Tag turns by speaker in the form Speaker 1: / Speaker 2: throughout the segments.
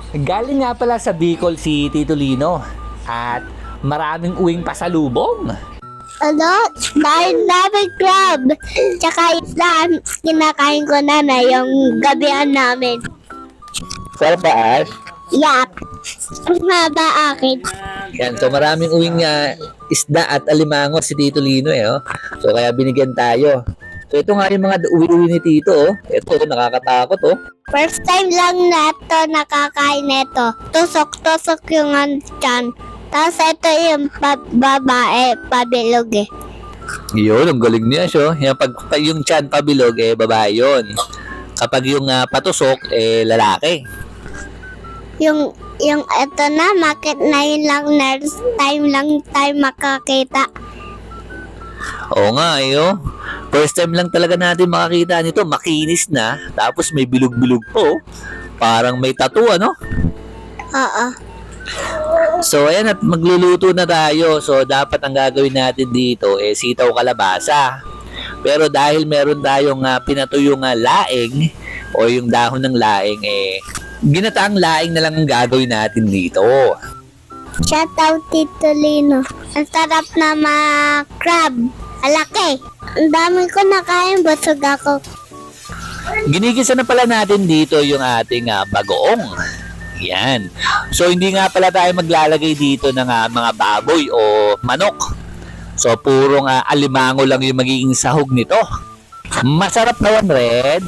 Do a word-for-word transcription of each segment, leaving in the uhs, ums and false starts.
Speaker 1: Galing nga pala sa Bicol si Tito Lino at maraming uwing pasalubong.
Speaker 2: Ano? Dahil namin crab. Tsaka isda, kinakain ko na na yung gabihan namin.
Speaker 1: Sarap ba, Ash?
Speaker 2: Yap. Nga ba akin?
Speaker 1: Yan, so maraming uwing uh, isda at alimango si Tito Lino eh. Oh. So kaya binigyan tayo. So ito nga yung mga uwi-uwi ni Tito. Oh. Ito, nakakatakot oh.
Speaker 2: First time lang na ito nakakain nito. Tusok-tusok yung tiyan. Tapos ito yung pa- babae, pabilog eh.
Speaker 1: Yun, ang galing niya siya. Yung, pag, pag yung tiyan pabilog, eh, babae yun. Kapag yung uh, patusok, eh, lalaki.
Speaker 2: Yung, yung ito na, market na yun lang, next time lang tayo makakita.
Speaker 1: Oo nga, eh, oh. First time lang talaga natin makakita nito. Makinis na. Tapos may bilog-bilog po. Parang may tattoo, ano?
Speaker 2: Oo.
Speaker 1: So, ayan at magluluto na tayo. So, dapat ang gagawin natin dito eh sitaw kalabasa. Pero dahil meron tayong uh, pinatuyong uh, laing o yung dahon ng laing eh ginataang laing na lang ang gagawin natin dito.
Speaker 2: Shout out Tito Lino. Ang sarap na mga crab. Alaki. Ang dami ko nakain, busog ako.
Speaker 1: Ginigisa na pala natin dito yung ating uh, bagoong. Yan. So, hindi nga pala tayo maglalagay dito ng uh, mga baboy o manok. So, purong uh, alimango lang yung magiging sahog nito. Masarap naman, Red.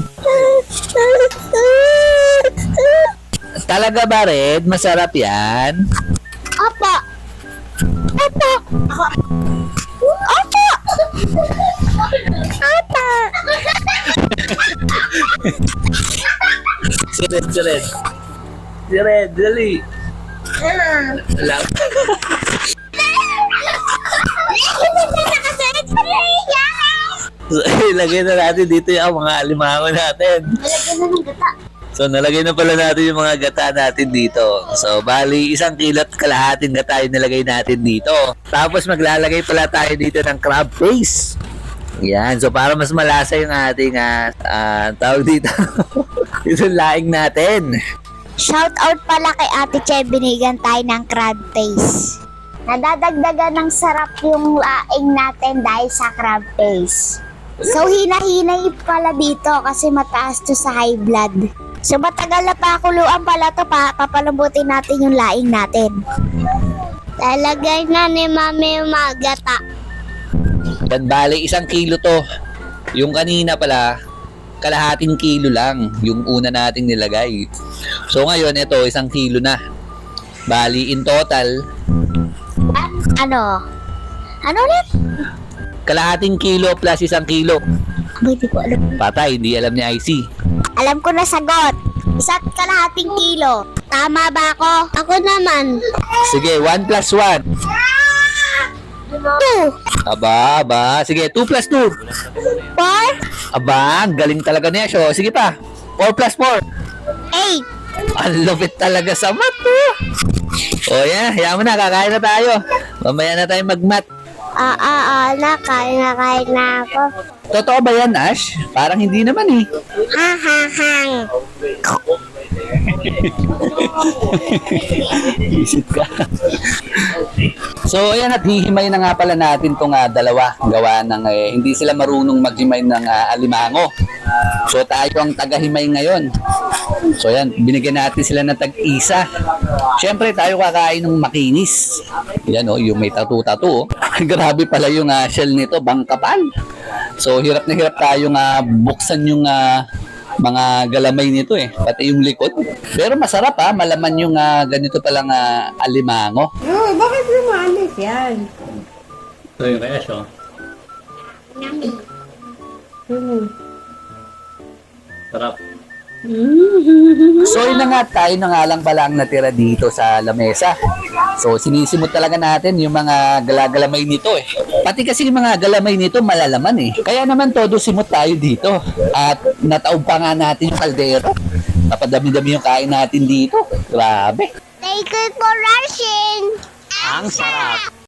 Speaker 1: Talaga ba, Red? Masarap yan?
Speaker 2: Opo. Opo. Opo. Opo.
Speaker 1: Si Red, si Red. Si Red, dali. Wala. So, ilagay na natin dito yung mga alimango natin.
Speaker 2: Malagyan na ng gata.
Speaker 1: So, nalagay na pala natin yung mga gata natin dito. So, bali, isang kilo at kalahating gata yung nilagay natin dito. Tapos, maglalagay pala tayo dito ng crab paste. Yan. So, para mas malasa yung ating, uh, uh, tawag dito, yung laing natin.
Speaker 2: Shout out pala kay Ate Che, binigyan tayo ng crab paste. Nadadagdagan ng sarap yung laing natin dahil sa crab paste. So, hinahinay pala dito kasi mataas to sa high blood. So, matagal na pakuluan pala to, pa papalambutin natin yung laing natin. Talagay na ni Mami yung mga gata.
Speaker 1: Yan, bali, isang kilo to. Yung kanina pala, kalahating kilo lang yung una nating nilagay. So, ngayon, ito, isang kilo na. Bali, in total,
Speaker 2: Ano? Ano ulit?
Speaker 1: kalahating kilo plus isang kilo.
Speaker 2: Abay, di ko alam.
Speaker 1: Patay, hindi alam ni I C.
Speaker 2: Alam ko na sagot. Isa't kalahating kilo. Tama ba ako? Ako naman.
Speaker 1: Sige, one plus one.
Speaker 2: Two.
Speaker 1: Aba, aba. Sige, two plus two.
Speaker 2: Four.
Speaker 1: Aba, ang galing talaga niya siya. Sige pa. four plus four.
Speaker 2: Eight.
Speaker 1: Ang lupit talaga sa math, oh. O yan, hayaan mo na, kakain na tayo. Mamaya na tayo mag-math.
Speaker 2: Ah, ah, ah, nakain na, kain na ako.
Speaker 1: Totoo ba yan, Ash? Parang hindi naman eh.
Speaker 2: Ha, ha, hang.
Speaker 1: Isip ka. So, ayan at hihimay na nga pala natin itong uh, dalawa. Gawa ng eh, hindi sila marunong maghimay ng uh, alimango. So, tayo ang tagahimay ngayon. So, ayan, binigyan natin sila ng tag-isa. Siyempre, tayo kakain ng makinis. Yan o, oh, yung may tattoo-tattoo. Oh. Grabe pala yung uh, shell nito, bangkapal. So, hirap na hirap tayong uh, buksan yung uh, mga galamay nito eh, pati yung likod. Pero masarap ha, malaman yung uh, ganito palang uh, alimango.
Speaker 3: Oh, bakit lumalis yan?
Speaker 1: So yun kaya siya.
Speaker 3: Hmm.
Speaker 1: Sarap. So yun na nga, tayo na nga lang pala ang natira dito sa lamesa. So sinisimot talaga natin yung mga galagalamay nito eh. Pati kasi yung mga galamay nito malalaman eh. Kaya naman todo simot tayo dito. At nataob pa nga natin yung kaldero. Napadami-dami yung kain natin dito. Grabe.
Speaker 2: Thank you for rushing.
Speaker 1: Ang sarap.